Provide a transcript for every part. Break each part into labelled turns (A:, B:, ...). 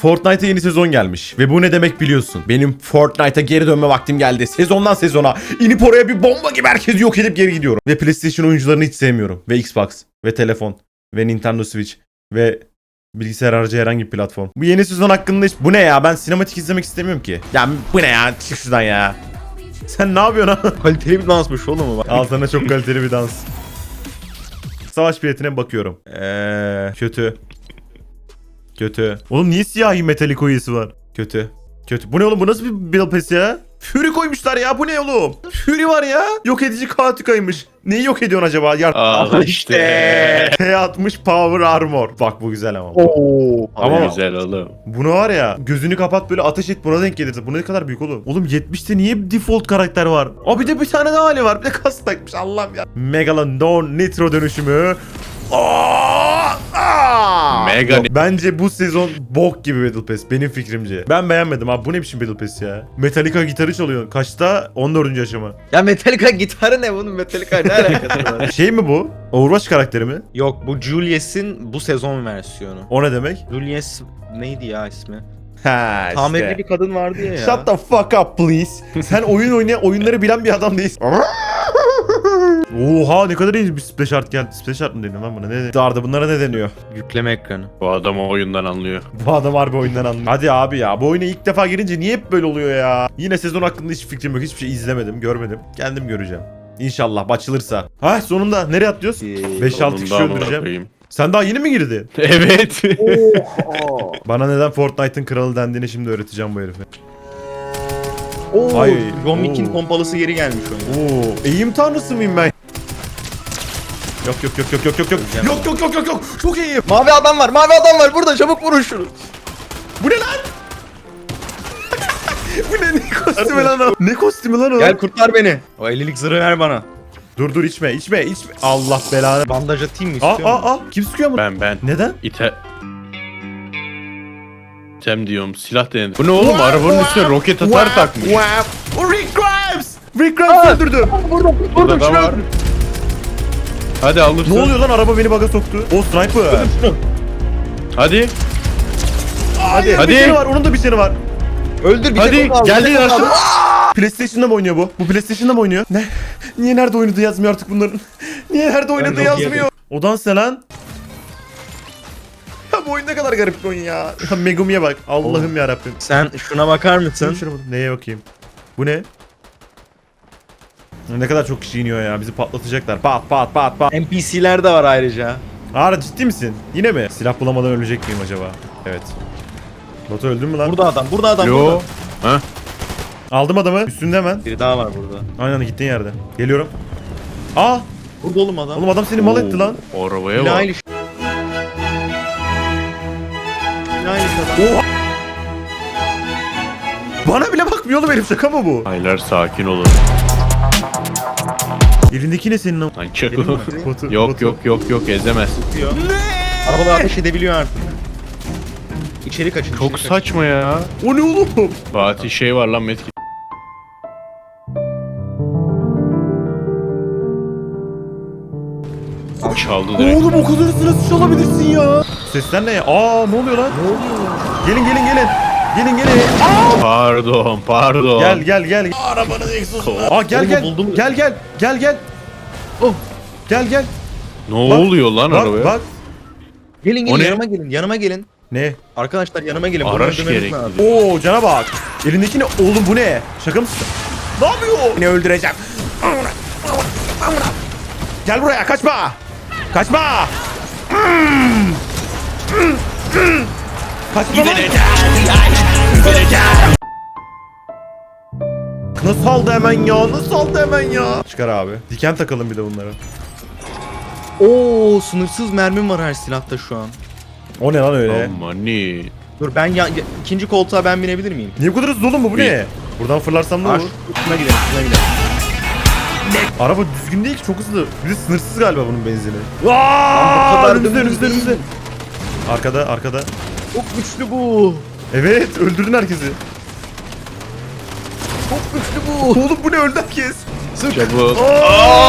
A: Fortnite'a yeni sezon gelmiş. Ve bu ne demek biliyorsun. Benim Fortnite'a geri dönme vaktim geldi. Sezondan sezona. İnip oraya bir bomba gibi herkesi yok edip geri gidiyorum. Ve PlayStation oyuncularını hiç sevmiyorum. Ve Xbox. Ve telefon. Ve Nintendo Switch. Ve bilgisayar harici herhangi bir platform. Bu yeni sezon hakkında hiç... Bu ne ya? Ben sinematik izlemek istemiyorum ki. Ya bu ne ya? Çık şuradan ya. Sen ne yapıyorsun ha?
B: Kaliteli bir dansmış oğlum mu?
A: Al sana çok kaliteli bir dans. Savaş biletine bakıyorum. Kötü. Kötü. Oğlum niye siyahi metalik oyası var? Kötü. Kötü. Bu ne oğlum? Bu nasıl bir Battle Pass ya? Fury koymuşlar ya. Bu ne oğlum? Fury var ya. Yok edici Katuka'ymış. Neyi yok ediyorsun acaba?
C: Al işte.
A: T60 Power Armor. Bak bu güzel ama.
B: Oo.
A: Ama-
C: Ama güzel oğlum.
A: Bunu var ya, gözünü kapat böyle ateş et, buna denk gelirse. Bu ne kadar büyük oğlum? Oğlum 70'te niye default karakter var? Aa bir de bir tane daha hali var. Bir de kas takmış, Allah'ım ya. Megalodon Nitro dönüşümü.
C: Mega
A: Yok, bence bu sezon bok gibi Battle Pass benim fikrimce. Ben beğenmedim abi, bu ne biçim Battle Pass ya? Metallica gitarı çalıyor. Kaçta? 14. aşama.
B: Ya Metallica gitarı ne bunun? Metallica ne alakası var?
A: Şey mi bu? Overwatch karakteri mi?
B: Yok bu Julius'in bu sezon versiyonu.
A: O ne demek?
B: Julius neydi ya ismi?
A: Ha işte.
B: Tamirli bir kadın vardı ya.
A: Shut the fuck up please. Sen oyunları bilen bir adam değilsin. Oha ne kadar iyi bir splash art geldi. Splash art mı deniyor lan buna? Ne? Darda bunlara ne deniyor?
B: Yükleme ekranı.
C: Bu adam o oyundan anlıyor.
A: Bu adam harbi oyundan anlıyor. Hadi abi ya, bu oyuna ilk defa girince niye hep böyle oluyor ya? Yine sezon hakkında hiç fikrim yok. Hiçbir şey izlemedim, görmedim. Kendim göreceğim. İnşallah açılırsa. Ha sonunda nereye atlıyoruz? 5-6 kişi
C: Sonunda
A: öldüreceğim.
C: koyayım.
A: Sen daha yeni mi girdin?
C: Evet.
A: Bana neden Fortnite'ın kralı dendiğini şimdi öğreteceğim bu herife.
B: Oo,
A: Ay,
B: John Wick'in
A: oo.
B: pompalısı geri gelmiş oyuna.
A: Oo, eğim tanrısı mıyım ben? Yok yok yok yok yok yok yok. Yok yok yok yok yok. Çok iyiyim.
B: Mavi adam var burada, çabuk vurun şunu.
A: Bu ne lan? Bu ne kostümü lan o? Ne kostümü lan o?
B: Gel kurtar beni. O 50'lik zırhı ver bana.
A: Dur içme. Allah belanı.
B: Bandaj atayım mı
A: Aa
B: istiyor musun?
A: Kim sıkıyor mu?
C: Ben.
A: Neden?
C: İtem diyorum, silah denedim. Bu ne oğlum? Arabanın üstüne roket atar takmış.
A: O Rick Grimes. Rick Grimes öldürdü.
C: Burada da var. Hadi alırsın.
A: Ne oluyor lan, araba beni bug'a soktu. O sniper.
C: Hadi.
A: Hadi.
C: Hadi.
A: Bir seni var, onun da bir seni var.
B: Öldür bir
C: Hadi
B: tek onu al,
C: geldi
B: bir tek onu
C: aşağı.
B: al.
A: PlayStation'da mı oynuyor bu? Bu PlayStation'da mı oynuyor? Ne? Niye nerede oynadığı yazmıyor artık bunların? Niye nerede oynadığı
B: çok
A: yazmıyor? O dans ne lan? Ya bu oyun ne kadar garip bir oyun ya. Ya Megumi'ye bak. Allah'ım yarabbim.
B: Sen şuna bakar mısın?
A: Neye bakayım? Bu ne? Ne kadar çok kişi iniyor ya. Bizi patlatacaklar. Pat pat pat pat.
B: NPC'ler de var ayrıca.
A: Ara ciddi misin? Yine mi? Silah bulamadan ölecek miyim acaba? Evet. Batu öldün mü lan?
B: Burada adam, burada.
C: Yo. Ha?
A: Aldım adamı. Üstünde hemen.
B: Biri daha var burada.
A: Aynen gittiğin yerde. Geliyorum. Aa!
B: Burada oğlum adam.
A: Oğlum adam seni mal etti lan.
C: Oo, arabaya
B: Yine
C: bak.
B: aynı şey. Yine aynı şey adam.
A: Bana bile bakmıyor oğlum herif, şaka mı bu?
C: Aylar sakin olun.
A: Elindeki ne senin lan?
C: Lan çakı.
A: Batu,
C: Yok
A: Batu.
C: yok ezemez.
B: Diyor. Arabalar ateş edebiliyor artık. İçeri kaçın.
C: Çok
B: içeri
C: saçma ya.
A: O ne oğlum?
C: Fatih şey var lan Metki. Çaldı direkt.
A: Oğlum o kadar sırasız çalabilirsin ya. Sesler ne ya? Aa ne oluyor lan?
B: Ne oluyor?
A: Gelin. Gelin.
C: Pardon.
A: Gel. Arabanın egzozu. Aa gel.
B: Oğlum, buldum.
A: Gel.
B: Oh.
A: Gel.
C: Ne oluyor lan arabaya?
A: Bak.
B: Gelin
C: O ne?
B: yanıma gelin.
A: Ne?
B: Arkadaşlar yanıma gelin. Bunu
C: Araç
B: öldürmemiz
C: gerekli.
B: lazım.
A: Oo cana bak. Elindeki ne? Oğlum bu ne? Şaka mısın? Ne yapıyor? Ne öldüreceğim? Gel buraya, kaçma. Kaçma. Nasıl aldı hemen ya? Çıkar abi. Diken takalım bir de bunlara.
B: Oo, sınırsız mermim var her silahta şu an.
A: O ne lan öyle?
C: Amani.
B: Dur ben ikinci koltuğa ben binebilir miyim?
A: Niye bu kadar hızlı oğlum bu ne? Buradan fırlarsam ne
B: Ar
A: olur?
B: şuna gidelim, şuna gidelim.
A: Araba düzgün değil ki, çok hızlı. Bir de sınırsız galiba bunun benzini.
B: bu kadar
A: Önümüzde.
B: dümdüz değil.
A: Arkada.
B: Çok güçlü bu.
A: Evet, öldürdün herkesi.
B: Çok güçlü bu.
A: Oğlum bu ne, öldü herkes.
C: Çabuk.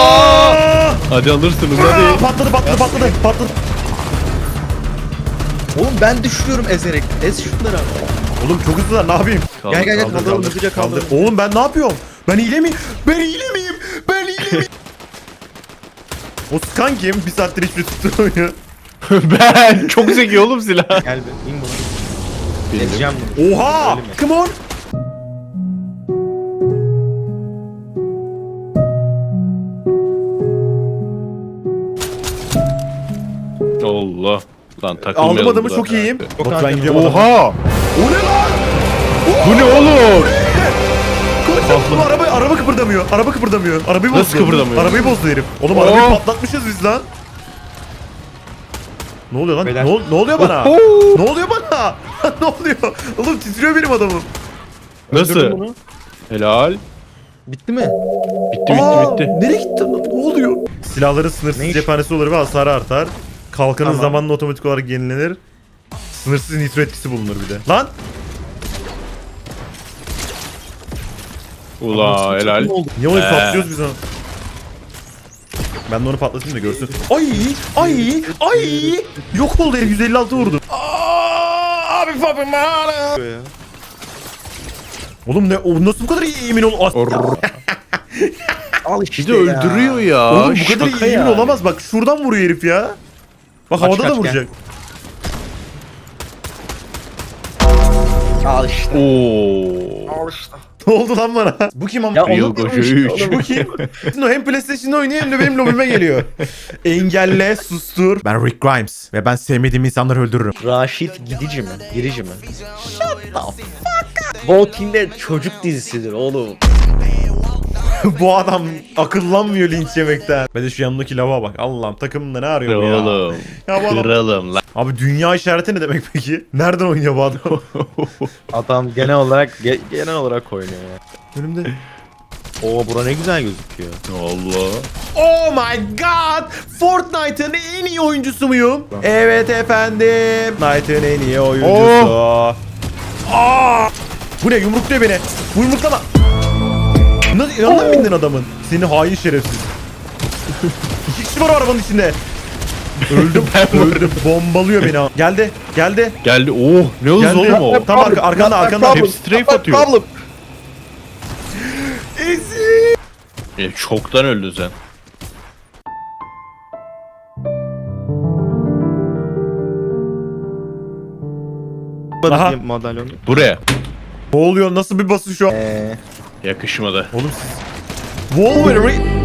A: Aa!
C: Hadi alırsınız hadi.
A: Patladı.
B: Oğlum ben düşürüyorum ezerek. Ez şunları abi.
A: Oğlum çok hızlılar, ne yapayım?
B: Gel gel gel
A: Kaldır,
B: kaldıralım
A: kaldır,
B: hızlıca kaldıralım.
A: Oğlum ben ne yapıyorum? Ben hile miyim? Ben hile miyim? Ben hile miyim? O Skan kim? Bir saattir hiçbir tutturamıyor.
C: Ben çok zeki oğlum silah.
B: Gel be in bunu. Ezeceğim bunu.
A: Oha!
B: Öyle mi?
A: Come on!
C: Allah. Lan takılmayalım.
A: Aldım adamı,
C: burada.
A: çok iyiyim.
B: Çok
A: Bak ben
B: harika.
A: gidiyorum adamı.
C: Oha!
A: O ne lan?
C: Bu ne oğlum?
A: Koçum bu araba kıpırdamıyor. Araba kıpırdamıyor. Arabayı bozdu.
C: Nasıl kıpırdamıyor?
A: Arabayı bozdu herif. Oğlum
C: Oh.
A: arabayı patlatmışız biz lan. Ne oluyor lan?
B: Beyler.
A: Ne oluyor bana?
C: Oho!
A: Ne oluyor bana? Ne oluyor? Oğlum titriyor benim adamım.
C: Nasıl?
B: Öldürdüm bunu.
C: Helal.
B: Bitti mi?
C: Bitti
A: Aa,
C: bitti.
A: nereye gitti? Ne oluyor? Silahların sınırsız
B: Ne iş?
A: cephanesi olur ve hasarı artar. Kalkanın
B: Tamam.
A: zamanla otomatik olarak yenilenir. Sınırsız nitro etkisi bulunur bir de. Lan!
C: Ula helal.
B: Ne oldu?
A: Niye onu patlıyoruz biz onu? Ben de onu patlatayım da görsün. Ay! Yok oldu herif, 156 vurdu. Abi papim
B: Ya.
A: Oğlum ne, o nasıl bu kadar iyi emin ol?
B: Al
C: Bir
B: işte
C: de öldürüyor ya.
A: Oğlum bu kadar iyi
C: Şaka
A: emin
C: yani.
A: olamaz, bak şuradan vuruyor herif ya. Bak
B: Kaç,
A: havada da
B: kaç,
A: vuracak.
B: Al işte.
C: Oo.
B: Al işte.
A: Ne oldu lan bana? Bu kim ama?
B: Ya
C: Real
B: onu
C: Gojo
B: demiş.
C: 3.
A: Bu kim? Şimdi o hem PlayStation'da oynuyor hem de benim lobime geliyor. Engelle, sustur. Ben Rick Grimes ve ben sevmediğim insanları öldürürüm.
B: Raşit gidici mi? Girici mi? Shut the fuck up. Walking'de çocuk dizisidir oğlum.
A: Bu adam akıllanmıyor linç yemekten. Ben de şu yanımdaki lava bak. Allah'ım takımında ne arıyor bu ya?
C: Oğlum.
A: Ya bu adam-
C: Kıralım lan.
A: Abi dünya işareti ne demek peki? Nereden oynuyor bu adam?
B: Adam genel olarak oynuyor ya.
A: Önümde.
B: Oo bura ne güzel gözüküyor.
C: Allah.
A: Oh my god! Fortnite'ın en iyi oyuncusu muyum? Evet efendim. Fortnite'ın en iyi oyuncusu. Aa! Bu ne? Yumrukluyor beni. Bu yumruklama. Nasıl yanına mı bindin adamın? Seni hain şerefsiz. 2 kişi var o arabanın içinde. Öldüm. Öldüm. Bombalıyor beni. Geldi. Geldi.
C: Geldi. Oh ne hızlı
A: Geldi.
C: oğlum o.
A: Tam arkanda arkanda.
C: Hepsi strafe atıyor.
B: Problem.
A: Easy.
C: Çoktan öldün sen.
A: Aha.
B: Madalyonu.
C: Buraya.
A: Ne oluyor? Nasıl bir basış o?
C: Yakışmadı.
A: Oğlum siz... Wolverine...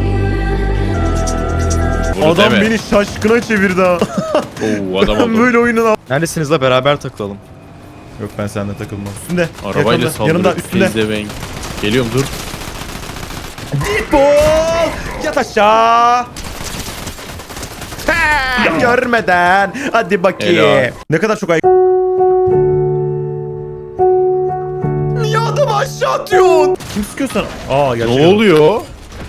C: Bunu
A: Adam
C: deme.
A: beni şaşkına çevirdi ha.
C: Oo adam
A: Ben
C: oldu.
A: böyle oyunun...
B: Neredesiniz la beraber takılalım.
A: Yok ben seninle takılmam. Üstünde.
C: Arabayla
A: Yakında,
C: saldırıp
A: yanımda üstünde.
C: pezevenk. Geliyorum dur.
A: Bol! Yat aşağı! Ha, görmeden. Hadi bakayım.
C: Helal.
A: Ne kadar çok ay... Niye adamı aşağı atıyorsun? Kim sıkıyor sana? Aa
C: Ne
A: gerçekten.
C: oluyor?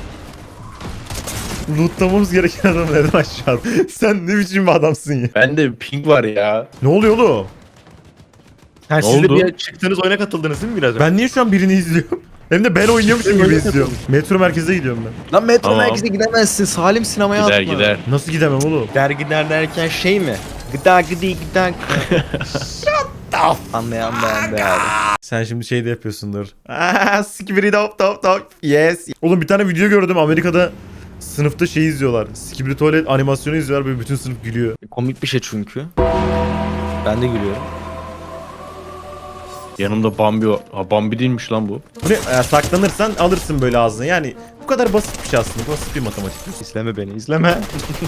A: Lootlamamız gereken adam neden aşağı attı? Sen ne biçim bir adamsın ya?
C: Bende ping var ya.
A: Ne oluyor oğlum?
B: Ha, siz de
C: oldu?
B: bir çıktığınız oyuna katıldınız değil mi biraz önce?
A: Ben niye şu an birini izliyorum? Hem de ben oynuyormuşum gibi izliyorum. Metro merkeze gidiyorum ben.
B: Lan metro
C: Tamam.
B: merkeze gidemezsin. Salim sinemaya
C: Gider
B: atma.
C: gider.
A: Nasıl gidemem oğlum?
B: Gider derken şey mi? Gıda gıda. Anlayan beğendi abi.
A: Sen şimdi şey de yapıyorsundur. Skibidi dop dop dop. Yes. Oğlum bir tane video gördüm, Amerika'da sınıfta şey izliyorlar. Skibidi tuvalet animasyonu izliyorlar, böyle bütün sınıf gülüyor.
B: Komik bir şey çünkü. Ben de gülüyorum.
C: Yanımda Bambi var. Ha Bambi değilmiş lan bu.
A: Bu ne? Saklanırsan alırsın böyle ağzına. Yani bu kadar basit bir şey aslında. Basit bir matematik.
B: İzleme beni izleme.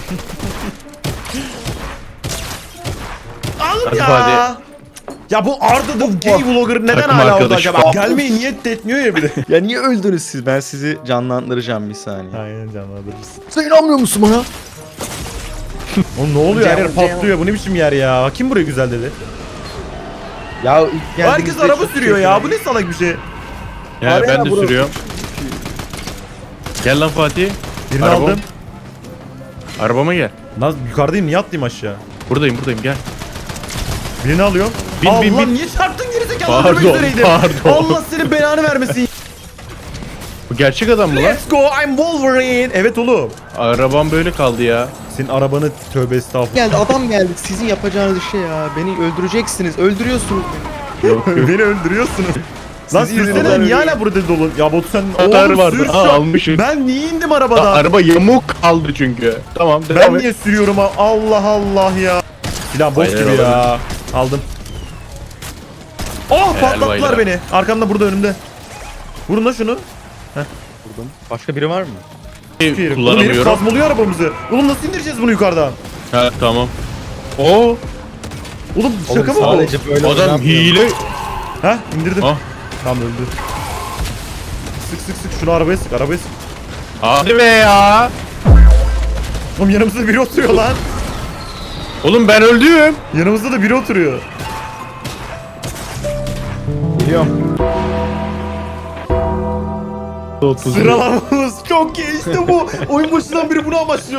A: Alın
C: Hadi
A: ya.
C: hadi.
A: Ya bu Arda the gay vlogger neden
C: Takım
A: hala orada
C: arkadaşı
A: acaba?
C: falan.
A: Gelmeyi niyet de etmiyor ya bir de.
B: Ya niye öldünüz siz? Ben sizi canlandıracağım bir saniye.
A: Aynen canlandırırsın.
B: Sen inanmıyor musun bana?
A: Oğlum ne oluyor? Her yer
B: Cem, Cem.
A: patlıyor. Bu ne biçim yer ya? Kim buraya güzel dedi?
B: Ya ilk
A: Herkes araba sürüyor ya. Bu ne salak bir şey.
C: Ya
B: Araya
C: ben de
B: burası.
C: sürüyorum. Gel lan Fatih.
A: Birini
C: Arabam.
A: aldım.
C: Arabama gel.
A: Lan yukarıdayım, niye atlayayım aşağı?
C: Buradayım gel.
A: Birini alıyorum.
C: Bin,
A: Allah
C: bin, bin.
A: niye çarptın gerizekalı?
C: Pardon,
A: Öldürmek üzereydim.
C: pardon.
A: Allah senin belanı vermesin.
C: Bu gerçek adam mı lan?
A: Let's go, I'm Wolverine. Evet oğlum.
C: Arabam böyle kaldı ya.
A: Senin arabanı tövbe estağfurullah.
B: Geldi adam geldi. Sizin yapacağınız şey ya. Beni öldüreceksiniz. Öldürüyorsunuz beni.
C: Yok yok.
A: Beni öldürüyorsunuz. Lan
B: Siz
A: sürsene
B: yüzünüzden
A: niye hala
B: ölüyorum.
A: burada dolu? Ya Batu sen
C: Atar
A: oğlum
C: vardı.
A: sür şu
C: Aa,
A: an.
C: almışım.
A: Ben niye indim
C: Aa,
A: arabadan?
C: araba yamuk kaldı çünkü. Tamam
A: Ben
C: devam et.
A: niye sürüyorum? Allah Allah ya. Silah boş
C: Hayır,
A: gibi ya. Aldım. Oh patlattılar
C: baylar.
A: beni. Arkamda burada önümde. Vurun da şunu.
B: Vurdum. Başka biri var mı?
A: Oğlum herif
C: Kullanamıyorum.
A: kazmalıyor arabamızı. Oğlum nasıl indireceğiz bunu yukarıdan?
C: Ha tamam. Oo,
A: Oğlum şaka mı bu?
B: Sadece böyle
C: adam
B: oynanmıyor.
C: hile.
A: Ha indirdim.
C: Ah.
A: Tam öldü. Sık sık sık şunu arabaya sık arabaya sık.
C: Hadi be ya.
A: Oğlum yanımızda biri oturuyor lan.
C: Oğlum ben öldüm.
A: Yanımızda da biri oturuyor.
B: Geliyorum.
A: Sıralamamız çok iyi işte bu. Oyun başından beri bunu amaçlıyorduk.